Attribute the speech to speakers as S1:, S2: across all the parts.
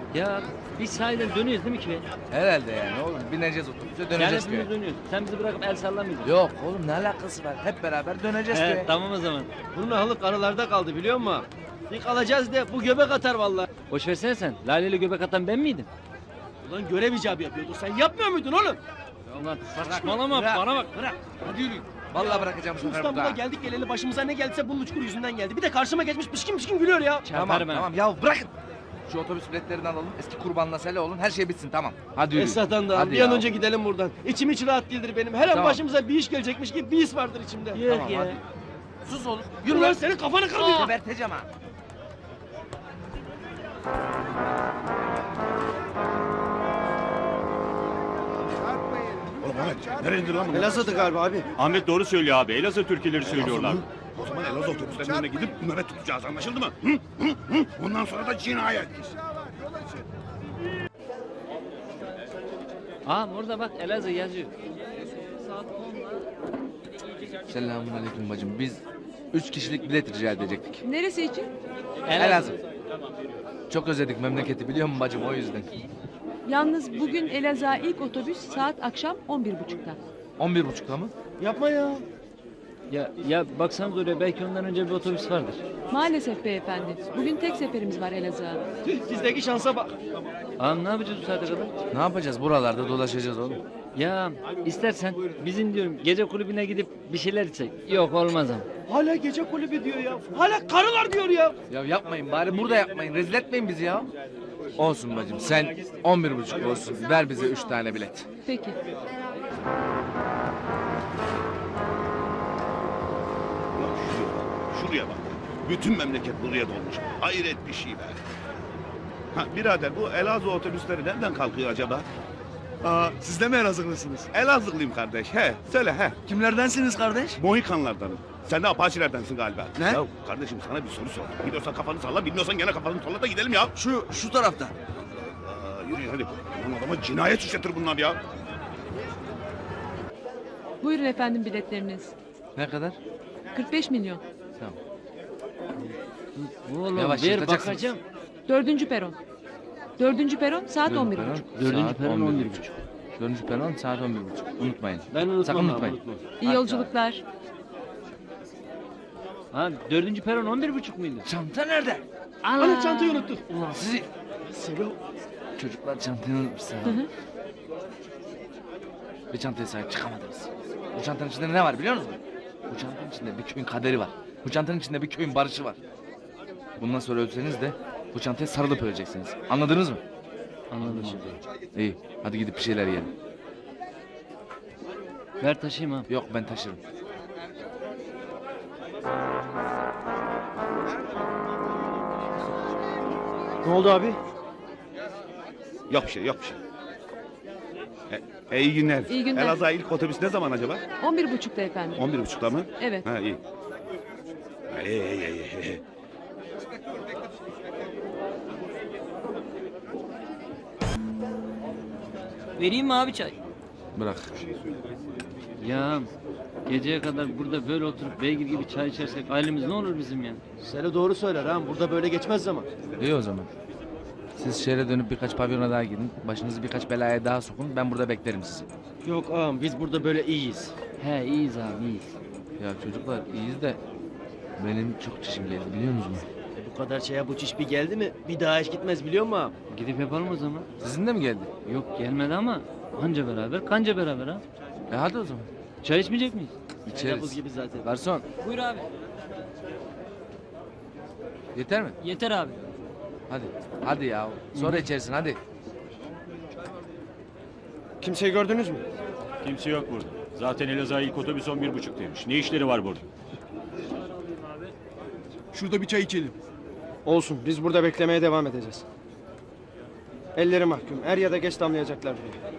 S1: Ya biz sahiden dönüyoruz değil mi ki?
S2: Herhalde yani oğlum bineceğiz otobüse döneceğiz
S1: Yani
S2: köye.
S1: hepimiz dönüyoruz. Sen bizi bırakıp el sallamayacaksın.
S2: Yok oğlum ne alakası var? Hep beraber döneceğiz köye.
S1: Tamam o zaman.
S3: Bunun ahlık aralarda kaldı biliyor musun? Bir kalacağız de bu göbek atar vallahi.
S1: Boş versene sen. Lale'yle göbek atan ben miydim?
S3: Ulan görev icabı yapıyordu. Sen yapmıyor muydun oğlum?
S1: Ulan saçmalama bana bak.
S3: Bırak. Hadi yürü.
S2: Vallahi bırakacağım bu
S3: Şu
S2: sefer
S3: İstanbul'a
S2: burada.
S3: geldik geleli başımıza ne geldiyse bunun uçkur yüzünden geldi. Bir de karşıma geçmiş pişkin pişkin gülüyor ya.
S2: Tamam
S1: Çarparım ha.
S2: tamam ya bırakın. Şu otobüs biletlerini alalım. Eski kurbanla sele olun. Her şey bitsin tamam. Hadi yürü.
S3: Esat'tan da
S2: Hadi
S3: bir an
S2: ya.
S3: önce gidelim buradan. İçim hiç rahat değildir benim. Her an
S2: Tamam.
S3: başımıza bir iş gelecekmiş gibi bir his vardır içimde.
S1: Yok
S2: Tamam,
S1: ya.
S2: hadi. Sus oğlum.
S3: Yürü lan senin kafanı kırmayayım.
S2: Geberteceğim ha.
S4: Oğlum Ahmet, nereye lan bu?
S3: Elazığ'dı galiba abi.
S5: Ahmet doğru söylüyor abi. Elazığ türküleri söylüyorlar.
S4: O zaman Elazığ otobüslerinin önüne gidip nöbet tutacağız anlaşıldı mı? Hı? Hı? Hı? Bundan sonra da cinayet.
S1: Burada bak Elazığ yazıyor.
S2: Selamun aleyküm bacım. Biz 3 kişilik bilet rica edecektik.
S6: Neresi için?
S2: Elazığ. Çok özledik memleketi biliyor musun bacım o yüzden.
S6: Yalnız bugün Elazığ'a ilk otobüs saat akşam 11.30'da.
S2: 11.30'da mı?
S3: Yapma ya.
S1: Ya baksanız oraya belki ondan önce bir otobüs vardır.
S6: Maalesef beyefendi. Bugün tek seferimiz var Elazığ'a.
S3: Bizdeki şansa bak.
S1: Ne yapacağız bu saate kadar?
S2: Ne yapacağız buralarda dolaşacağız oğlum.
S1: Ya istersen bizim diyorum gece kulübüne gidip bir şeyler içsek. Yok olmaz ama.
S3: Hala gece kulübü diyor ya. Hala karılar diyor ya.
S2: Ya yapmayın bari burada yapmayın. Rezil etmeyin bizi ya. Olsun bacım sen 11.30 olsun. Ver bize 3 tane bilet.
S6: Peki.
S4: Ulan şuraya bak. Bütün memleket buraya dolmuş. Hayret bir şey be. Ha birader bu Elazığ otobüsleri nereden kalkıyor acaba?
S7: Siz de mi Elazığlısınız?
S4: Elazığlıyım kardeş. He söyle he.
S7: Kimlerdensiniz kardeş?
S4: Mohikanlardanım. Sen de Apaçilerdensin galiba.
S7: Ne?
S4: Ya kardeşim sana bir soru sor. Biliyorsan kafanı salla, bilmiyorsan gene kafanı salla da gidelim ya.
S7: Şu tarafta.
S4: Yürü hadi. Lan adama cinayet işletir bunlar ya.
S6: Buyurun efendim biletleriniz.
S2: Ne kadar?
S6: 45 milyon.
S2: Tamam.
S1: Oğlum
S2: Yavaş,
S1: ver
S2: yırtacaksınız.
S1: bakacağım.
S6: 4. peron. 4. peron saat 11.30.
S1: Dördüncü peron 11.30.
S2: 4. peron saat 11.30. Unutmayın.
S3: Ben unutmam
S2: Sakın
S3: abi,
S2: unutmayın.
S3: unutmam.
S6: İyi yolculuklar.
S1: Dördüncü peron 11.30 muydu?
S2: Çanta nerede?
S3: Hani çantayı unuttuk.
S2: Ulan sizi
S3: Selo.
S2: çocuklar çantayı unutmuşlar. Bir çantaya sahip çıkamadınız. Bu çantanın içinde ne var biliyor musunuz? Bu çantanın içinde bir köyün kaderi var. Bu çantanın içinde bir köyün barışı var. Bundan sonra ölseniz de bu çantaya sarılıp öleceksiniz. Anladınız mı?
S1: Anladım.
S2: İyi. Hadi gidip bir şeyler yiyelim.
S1: Ver taşıyayım ha.
S2: Yok ben taşırım.
S3: Ne oldu abi?
S4: Yok bir şey, yok bir şey. İyi günler.
S6: İyi günler.
S4: Elazığ'a ilk otobüs ne zaman acaba?
S6: 11.30'da efendim.
S4: 11.30'da mı?
S6: Evet.
S4: Ha iyi. İyi.
S1: Vereyim mi abi çay?
S2: Bırak.
S1: Ya geceye kadar burada böyle oturup beygir gibi çay içersek ailemiz ne olur bizim ya?
S3: Selo doğru söyler ha. Burada böyle geçmez zaman.
S2: İyi o zaman. Siz şehre dönüp birkaç pavyona daha gidin. Başınızı birkaç belaya daha sokun. Ben burada beklerim sizi.
S3: Yok ağam biz burada böyle iyiyiz.
S1: He iyiyiz abi iyiyiz.
S2: Ya çocuklar iyiyiz de benim çok çişim geldi biliyor musunuz?
S3: Bu kadar şeye bu çiş bir geldi mi bir daha hiç gitmez biliyor musun ağam?
S1: Gidip yapalım o zaman.
S2: Sizin de mi geldi?
S1: Yok gelmedi ama anca beraber kanca beraber ha.
S2: Hadi o zaman.
S1: Çay içmeyecek miyiz?
S3: Buz
S2: İçeriz.
S3: gibi zaten.
S2: Garson
S1: Buyur abi.
S2: yeter mi?
S1: Yeter abi.
S2: Hadi. Hadi ya. Sonra içersin hadi.
S3: Kimseyi gördünüz mü?
S5: Kimse yok burada. Zaten Elazığ'a ilk otobüs 11.30'daymış. Ne işleri var burada?
S7: Şurada bir çay içelim.
S3: Olsun biz burada beklemeye devam edeceğiz. Elleri mahkum. Er ya da geç damlayacaklar buraya.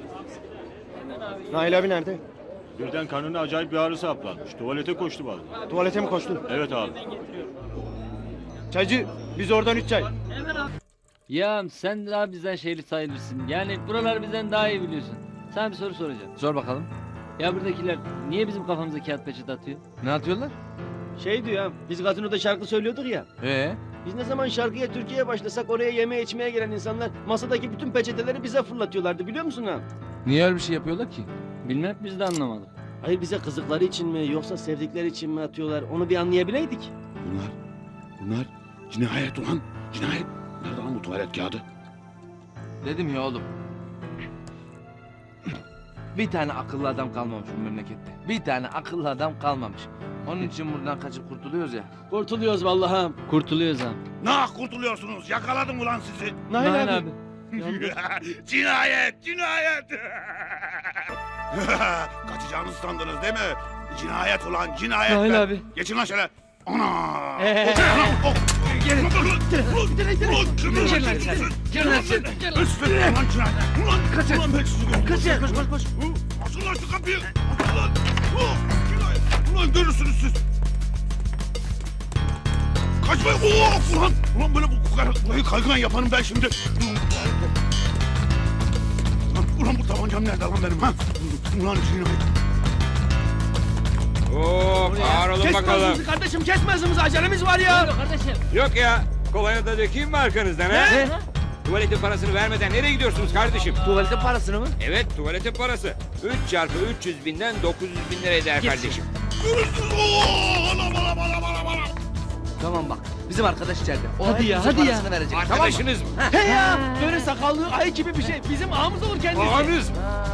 S3: Nail abi nerede?
S5: Birden karnına acayip bir ağrı saplanmış. Tuvalete koştu vallahi.
S3: Tuvalete mi koştu?
S5: Evet abi.
S3: Çaycı biz oradan 3 çay.
S1: Ya sen daha bizden şeyli sayılırsın. Yani buraları bizden daha iyi biliyorsun. Sana bir soru soracağım.
S2: Sor bakalım.
S1: Ya buradakiler niye bizim kafamıza kağıt peçete atıyor?
S2: Ne atıyorlar?
S3: Şey diyor ya biz gazinoda şarkı söylüyorduk ya.
S2: Ee?
S3: Biz ne zaman şarkıya, Türkiye'ye başlasak oraya yeme içmeye gelen insanlar masadaki bütün peçeteleri bize fırlatıyorlardı biliyor musun ha?
S2: Niye öyle bir şey yapıyorlar ki?
S1: Bilmem biz de anlamadık.
S3: Hayır bize kızıkları için mi yoksa sevdikleri için mi atıyorlar onu bir anlayabileydik.
S4: Bunlar cinayet ulan. Cinayet. Nerede lan bu tuvalet kağıdı?
S2: Dedim ya oğlum. Bir tane akıllı adam kalmamış bu memlekette. Bir tane akıllı adam kalmamış. Onun için buradan kaçıp kurtuluyoruz ya.
S3: Kurtuluyoruz vallahi.
S1: Kurtuluyoruz ha.
S4: Nah kurtuluyorsunuz. Yakaladım ulan sizi.
S3: Nail abi.
S4: Cinayet, cinayet. Kaçacağınızı sandınız değil mi? Cinayet ulan, cinayet.
S1: Nail abi.
S4: Geçin lan şöyle. Ana!
S3: Gelin.
S4: Ulan kaçın. Ulan ben sizi gördüm.
S3: Koş.
S4: Açın lan şu kapıyı. Ulan. Cinayet. Ulan görürsünüz siz. Kaçmayın. Ulan böyle burayı kaygılan yaparım ben şimdi. Ulan bu tabancam nerede lan benim ha? Ulan cinayet.
S8: Oo, ağır olun bakalım.
S3: Kardeşim kesme hızımızı acelemiz var ya.
S8: Yok ya, kolonya da dökeyim mi arkanızdan ha? Tuvaletin parasını vermeden nereye gidiyorsunuz kardeşim?
S2: Tuvaletin parasını mı?
S8: Evet, tuvaletin parası. 3 çarpı 300 binden 900 bin lira eder kardeşim.
S4: Görürsünüz. Anam.
S2: Tamam bak. Bizim arkadaş içeride. O
S6: Hadi ya,
S2: hepimizin
S6: hadi ya.
S2: parasını verecek.
S8: Arkadaşınız mı?
S3: He ya böyle sakallı ayı gibi bir şey. Bizim ağamız olur kendisi.
S8: Babanız mı?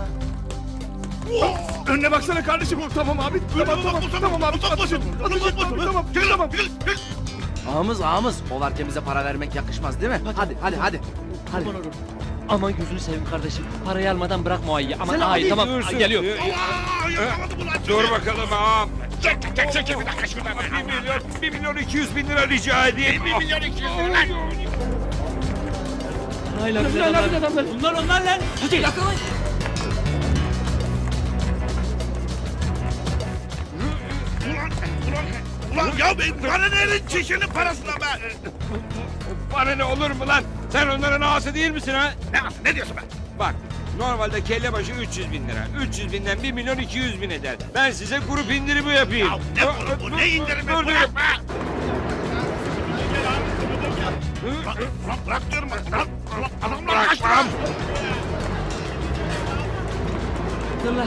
S7: Önüne baksana kardeşim. Tamam abi. Tamam abi. Tamam.
S2: Ağamız. O varken bize para vermek yakışmaz değil mi? Hadi. Hadi.
S1: Aman gözünü seveyim kardeşim. Parayı almadan bırakma o ayıyı. Aman
S3: Sen
S1: ay
S3: abi
S1: tamam.
S8: Dursun.
S1: Geliyor.
S4: Yakaladım ulan sizi.
S8: Dur bakalım ağam.
S4: Çek bir dakika şuradan.
S8: 1 milyon 200 bin lira rica edeyim.
S4: 1 milyon 200 lira.
S1: Nail abi adamlar. Bunlar onlar lan. Hadi yakalayın.
S4: Ulan ya bana nerin çişinin parasına be?
S8: Bana ne olur mu lan? Sen onların ağası değil misin ha?
S4: Ne diyorsun be?
S8: Bak, normalde kelle başı 300 bin lira. 300 binden 1 milyon 200 bin eder. Ben size grup indirimi yapayım.
S4: Ya ne grubu, ne indirimi?
S8: Dur.
S4: Bırak be! Ulan bırak diyorum bak. Adamlar kaçtı lan.
S1: Dur lan.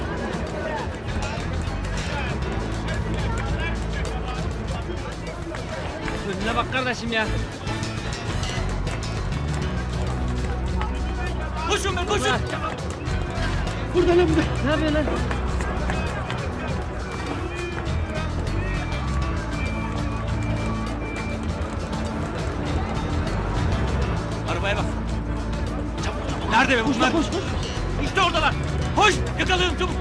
S1: Önüne bak kardeşim ya. Koşun be koşun.
S3: Burada lan burada.
S1: Ne yapıyorsun lan? Arabaya bak. Çabuk. Nerede be bunlar?
S3: Koş.
S1: İşte oradalar. Koş yakalayalım çabuk.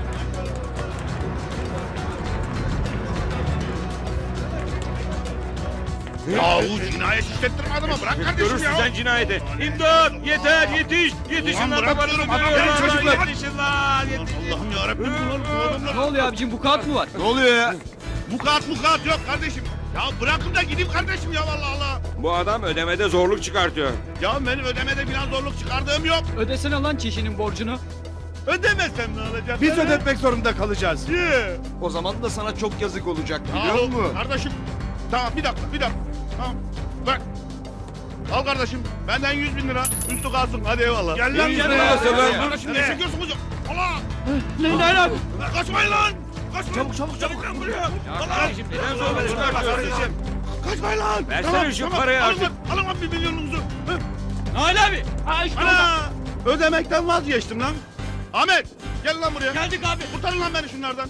S4: Yahu cinayet işlettirme adamı. Bırak kardeşim
S8: Görürsün
S4: ya.
S8: sen cinayeti. İmdat! Yeter! Yetiş! Yetişin
S4: Ulan
S8: lan
S4: bırak
S8: babanızı
S4: diyorum, adam
S8: dövüyorlar.
S4: gelin çocuklar.
S8: Yetişin lan!
S4: Allah'ım yarabbim bu adamlar.
S1: Ne oluyor abicim bu kağıt mı var?
S7: Ne oluyor ya?
S4: Mukat yok kardeşim. Ya bırakın da gideyim kardeşim ya vallahi Allah.
S8: Bu adam ödemede zorluk çıkartıyor.
S4: Ya benim ödemede falan zorluk çıkardığım yok.
S1: Ödesene lan çişinin borcunu.
S4: Ödemezsem ne olacak?
S7: Biz ödetmek zorunda kalacağız.
S4: Niye?
S7: O zaman da sana çok yazık olacak biliyor
S4: Yahu
S7: musun?
S4: kardeşim. Tamam bir dakika. Tamam. Bak. Al kardeşim. Benden 100 bin lira. Üstü kalsın. Hadi eyvallah. Gel lan
S8: 100
S4: gel
S8: lira
S4: lan.
S8: nasıl lan?
S4: Kardeşim ne çekiyorsun hocam? Allah.
S3: Nail abi.
S4: Kaçmayın lan. Kaçmayın. Çabuk lan buraya.
S8: Kardeşim neden zorluk çıkartıyorsun?
S4: Kaçmayın lan.
S8: Versene şu parayı
S4: alın
S8: artık.
S4: lan, alın lan 1 milyonunuzu. Hı.
S1: Nail abi. Ha işte orada.
S4: Ana. Ödemekten vazgeçtim lan. Ahmet. Gel lan buraya.
S1: Geldik abi.
S4: Kurtarın lan beni şunlardan.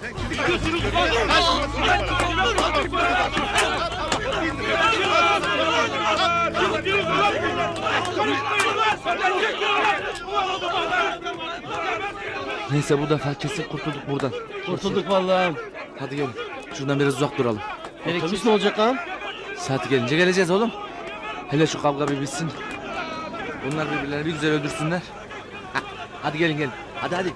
S2: Neyse bu defa kesin kurtulduk buradan.
S3: Kurtulduk vallahi.
S2: Hadi gelin. Şuradan biraz uzak duralım.
S3: Otobüs ne olacak lan?
S2: Saati gelince geleceğiz oğlum. Hele şu kavga bir bitsin. Bunlar birbirlerini bir güzel öldürsünler. Hadi gelin. Hadi.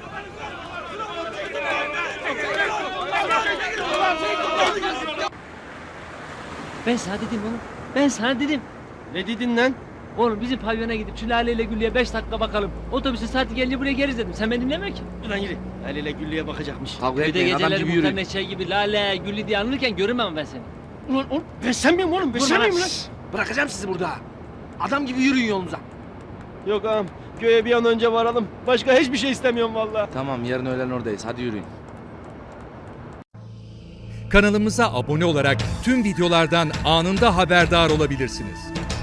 S1: Ben sana dedim oğlum. Ben sana dedim.
S3: Ne dedin lan?
S1: Oğlum bizim pavyona gidip şu Lale ile Güllü'ye 5 dakika bakalım. Otobüsün saati gelince buraya geliriz dedim. Sen beni dinlemiyor ki.
S3: Ulan yürü. El ile Güllü'ye bakacakmış.
S2: Kavga
S1: Bir de
S2: etmeyin adam
S1: geceleri
S2: gibi
S1: muhtar
S2: yürüyün.
S1: neşe gibi Lale, Güllü diye anılırken görünmem ben seni.
S3: Ulan ben sen miyim oğlum? Ben sen miyim lan?
S2: Bırakacağım sizi burada. Adam gibi yürüyün yolunuza.
S3: Yok ağam. Köye bir an önce varalım. Başka hiçbir şey istemiyorum vallahi.
S2: Tamam, yarın öğlen oradayız. Hadi yürüyün.
S9: Kanalımıza abone olarak tüm videolardan anında haberdar olabilirsiniz.